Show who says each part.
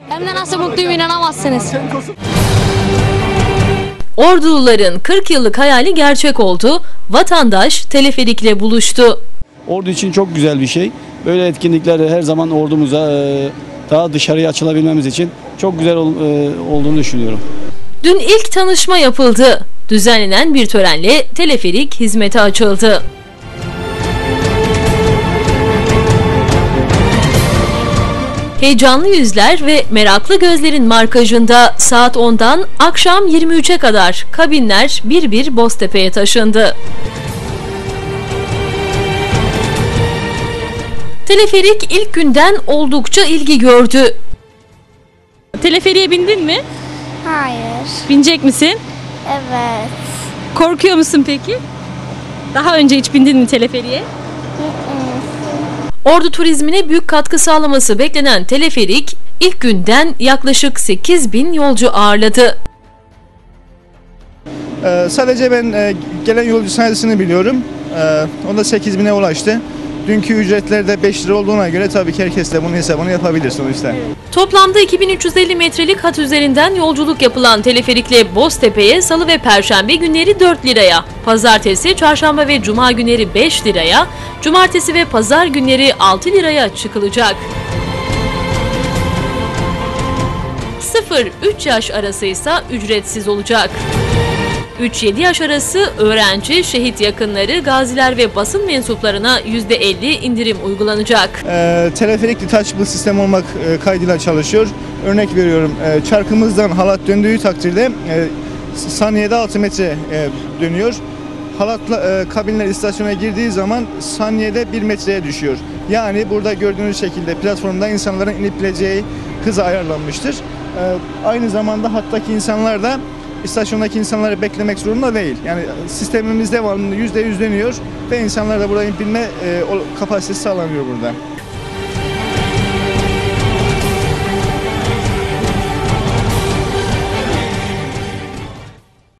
Speaker 1: Hem de nasıl mutluyum inanamazsınız.
Speaker 2: Orduluların 40 yıllık hayali gerçek oldu. Vatandaş teleferikle buluştu.
Speaker 3: Ordu için çok güzel bir şey. Böyle etkinlikler her zaman ordumuza daha dışarıya açılabilmemiz için çok güzel olduğunu düşünüyorum.
Speaker 2: Dün ilk tanışma yapıldı. Düzenlenen bir törenle teleferik hizmete açıldı. Heyecanlı yüzler ve meraklı gözlerin markajında saat 10'dan akşam 23'e kadar kabinler bir bir Boztepe'ye taşındı. Teleferik ilk günden oldukça ilgi gördü.
Speaker 4: Teleferiğe bindin mi?
Speaker 5: Hayır.
Speaker 4: Binecek misin?
Speaker 5: Evet.
Speaker 4: Korkuyor musun peki? Daha önce hiç bindin mi teleferiğe?
Speaker 2: Ordu turizmine büyük katkı sağlaması beklenen teleferik ilk günden yaklaşık 8.000 yolcu ağırladı.
Speaker 6: Sadece ben gelen yolcu sayısını biliyorum. O da 8.000'e ulaştı. Dünkü ücretler de 5 lira olduğuna göre tabii ki herkes de bunun hesabını yapabilir sonuçta.
Speaker 2: Toplamda 2350 metrelik hat üzerinden yolculuk yapılan teleferikle Boztepe'ye salı ve perşembe günleri 4 liraya, pazartesi, çarşamba ve cuma günleri 5 liraya, cumartesi ve pazar günleri 6 liraya çıkılacak. 0-3 yaş arası ise ücretsiz olacak. 3-7 yaş arası öğrenci, şehit yakınları, gaziler ve basın mensuplarına %50 indirim uygulanacak.
Speaker 6: Teleferik detachable sistem olmak kaydıyla çalışıyor. Örnek veriyorum, çarkımızdan halat döndüğü takdirde saniyede 6 metre dönüyor. Halatla kabinler istasyona girdiği zaman saniyede 1 metreye düşüyor. Yani burada gördüğünüz şekilde platformda insanların inip bileceği hıza ayarlanmıştır. Aynı zamanda hattaki insanlar da İstasyondaki insanları beklemek zorunda değil. Yani sistemimiz devamlı %100 dönüyor ve insanlar da burada inip binme kapasitesi sağlanıyor burada.